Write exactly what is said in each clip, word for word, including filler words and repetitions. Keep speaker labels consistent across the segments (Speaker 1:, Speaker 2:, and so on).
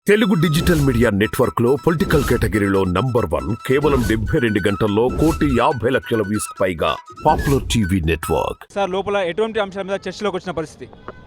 Speaker 1: Telugu digital media network లో political కేటగిరీలో number one కేవలం డెబ్బై రెండు గంటల్లో కోటి యాభై లక్షల వ్యూస్ పైగా పాపులర్ టీవీ నెట్వర్క్.
Speaker 2: సార్ లోపల ఎటువంటి అంశాల మీద చర్చలోకి వచ్చిన పరిస్థితి?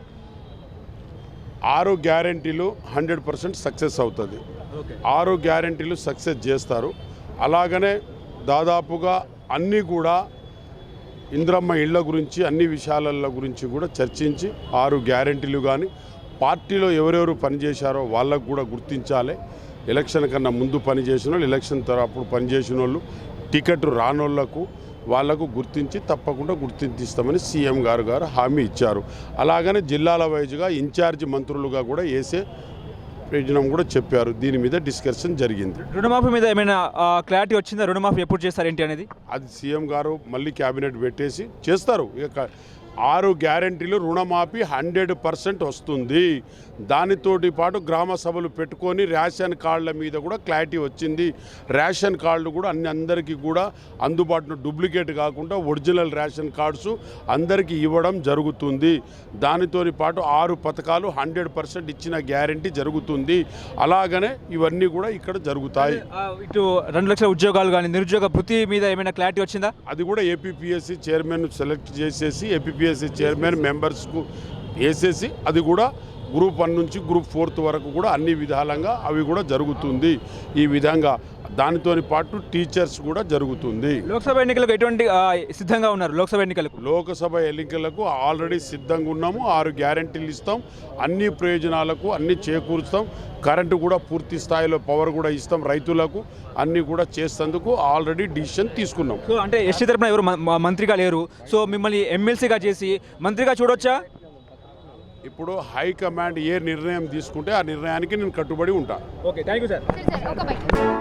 Speaker 3: ఆరు గ్యారెంటీలు హండ్రెడ్ పర్సెంట్ సక్సెస్ అవుతుంది. ఆరు గ్యారెంటీలు సక్సెస్ చేస్తారు. అలాగనే దాదాపుగా అన్నీ కూడా ఇంద్రమ్మ ఇళ్ల గురించి అన్ని విషయాల గురించి కూడా చర్చించి ఆరు గ్యారెంటీలు కానీ పార్టీలో ఎవరెవరు పనిచేశారో వాళ్ళకు కూడా గుర్తించాలి. ఎలక్షన్ కన్నా ముందు పనిచేసిన వాళ్ళు, ఎలక్షన్ తర్వాత పనిచేసిన వాళ్ళు, టికెట్ రానోళ్లకు వాళ్లకు గుర్తించి తప్పకుండా గుర్తించిస్తామని సీఎం గారు గారు హామీ ఇచ్చారు. అలాగనే జిల్లాల వైజ్గా ఇన్ఛార్జి మంత్రులుగా కూడా వేసే ప్రయోజనం కూడా చెప్పారు. దీని మీద డిస్కషన్ జరిగింది.
Speaker 2: రుణమాఫీ మీద ఏమైనా క్లారిటీ వచ్చిందా? రుణమాఫీ ఎప్పుడు చేస్తారేంటి అనేది
Speaker 3: అది సీఎం గారు మళ్ళీ క్యాబినెట్ పెట్టేసి చేస్తారు. ఇక ఆరు గ్యారెంటీలు రుణమాఫీ హండ్రెడ్ పర్సెంట్ వస్తుంది. దానితోటి పాటు గ్రామ సభలు పెట్టుకొని రేషన్ కార్డుల మీద కూడా క్లారిటీ వచ్చింది. రేషన్ కార్డులు కూడా అన్ని అందరికీ కూడా అందుబాటులో డూప్లికేట్ కాకుండా ఒరిజినల్ రేషన్ కార్డ్స్ అందరికీ ఇవ్వడం జరుగుతుంది. దానితోని పాటు ఆరు పథకాలు హండ్రెడ్ పర్సెంట్ ఇచ్చిన గ్యారెంటీ జరుగుతుంది. అలాగనే ఇవన్నీ కూడా ఇక్కడ జరుగుతాయి.
Speaker 2: ఇటు రెండు లక్షల ఉద్యోగాలు కానీ నిరుద్యోగ భృతి మీద ఏమైనా క్లారిటీ వచ్చిందా?
Speaker 3: అది కూడా ఏపీపీఎస్సీ చైర్మన్ సెలెక్ట్ చేసేసి ఏపీపీఎస్సీ చైర్మన్ మెంబర్స్కు వేసేసి అది కూడా గ్రూప్ వన్ నుంచి గ్రూప్ ఫోర్త్ వరకు కూడా అన్ని విధాలంగా అవి కూడా జరుగుతుంది. ఈ విధంగా దానితో పాటు టీచర్స్ కూడా జరుగుతుంది.
Speaker 2: లోక్సభ ఎన్నికలకు ఎటువంటి సిద్ధంగా ఉన్నారు? లోక్సభ ఎన్నికలకు
Speaker 3: లోక్సభ ఎన్నికలకు ఆల్రెడీ సిద్ధంగా ఉన్నాము. ఆరు గ్యారెంటీలు ఇస్తాం. అన్ని ప్రయోజనాలకు అన్ని చేకూరుస్తాం. కరెంటు కూడా పూర్తి స్థాయిలో పవర్ కూడా ఇస్తాం. రైతులకు అన్ని కూడా చేసేందుకు ఆల్రెడీ డిసిషన్ తీసుకున్నాం.
Speaker 2: సో అంటే ఎస్టీ తరపున ఎవరు మంత్రిగా లేరు, సో మిమ్మల్ని ఎమ్మెల్సీగా చేసి మంత్రిగా చూడొచ్చా?
Speaker 3: ఇప్పుడు హైకమాండ్ ఏ నిర్ణయం తీసుకుంటే ఆ నిర్ణయానికి నేను కట్టుబడి ఉంటాను.
Speaker 2: Okay, thank you sir.